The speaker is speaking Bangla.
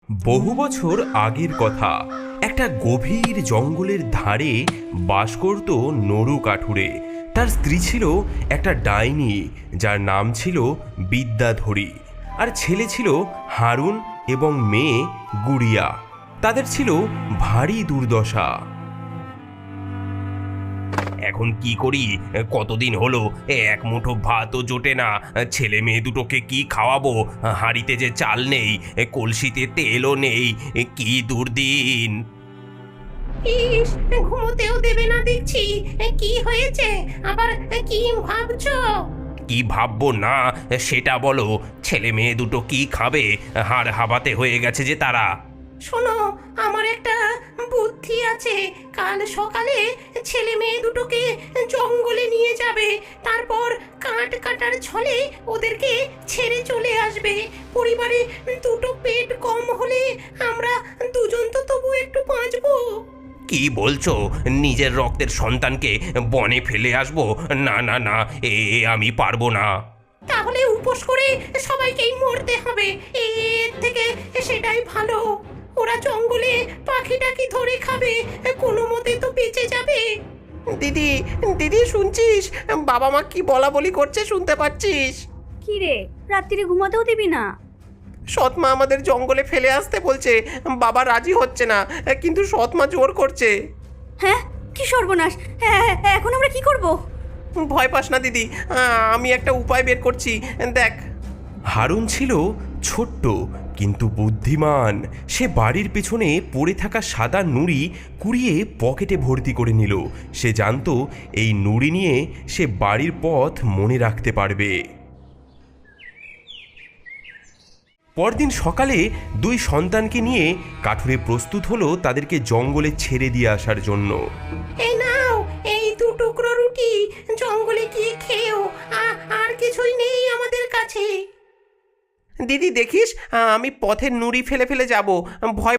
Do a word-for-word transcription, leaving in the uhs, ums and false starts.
বহু বছর আগের কথা। একটা গভীর জঙ্গলের ধারে বাস করত নরু কাঠুরে। তার স্ত্রী ছিল একটা ডাইনি, যার নাম ছিল বিদ্যাধরী। আর ছেলে ছিল হারুন এবং মেয়ে গুড়িয়া। তাদের ছিল ভারী দুর্দশা। এখন কি করি? কতদিন হলো এক মুঠো ভাতও জোটে না। ছেলে মেয়ে দুটোকে কি খাওয়াবো? হাঁড়িতে যে চাল নেই, কলসিতে তেলও নেই। কি দুর্দিন! ইস, ঘুমোতেও দেবে না দেখছি। কি হয়েছে আবার? কি ভাবছো? কি ভাববো না সেটা বলো। ছেলে মেয়ে দুটো কি খাবে? হাড় হাবাতে হয়ে গেছে যে তারা। শোনো, আমার একটা বুদ্ধি আছে। কাল সকালে ছেলে মেয়ে দুটোকে জঙ্গলে নিয়ে যাবে, তারপর কাঠ কাটার ছলে ওদেরকে ছেড়ে চলে আসবে। পরিবারে দুটো পেট কম হলে আমরা দুজন তো তবু একটু বাঁচবো। কি বলছো? নিজের রক্তের সন্তানকে বনে ফেলে আসবো? না না না, এ আমি পারবো না। তাহলে উপোস করে সবাইকেই মরতে হবে। এর থেকে সেটাই ভালো। ওরা জঙ্গলে পাখি টাকি ধরে খাবে, কোনো মতে তো বেঁচে যাবে। দিদি দিদি শুনছিস? বাবা মা কি বলা বলি করছে শুনতে পাচ্ছিস? কি রে, রাত্রিরে ঘুমাতেও দিবি না? সৎমা আমাদের জঙ্গলে ফেলে আসতে বলছে। বাবা রাজি হচ্ছে না, কিন্তু সৎমা জোর করছে। হ্যাঁ, কি সর্বনাশ! হ্যাঁ, এখন আমরা কি করব? ভয় পাস না দিদি, আমি একটা উপায় বের করছি, দেখ। হারুন ছিল ছোট্ট কিন্তু বুদ্ধিমান। সে বাড়ির পেছনে পড়ে থাকা সাদা নুড়ি কুড়িয়ে পকেটে ভর্তি করে নিল। সে জানতো এই নুড়ি নিয়ে সে বাড়ির পথ মনে রাখতে পারবে। পরদিন সকালে দুই সন্তানকে নিয়ে কাঠুরে প্রস্তুত হলো তাদেরকে জঙ্গলে ছেড়ে দিয়ে আসার জন্য। এই নাও, এই দু টুকরো রুটি, জঙ্গলে গিয়ে খেও। আ- আর কিছুই নেই আমাদের কাছে। দিদি দেখিস, আমি পথের নুড়ি ফেলে ফেলে যাব, ভয়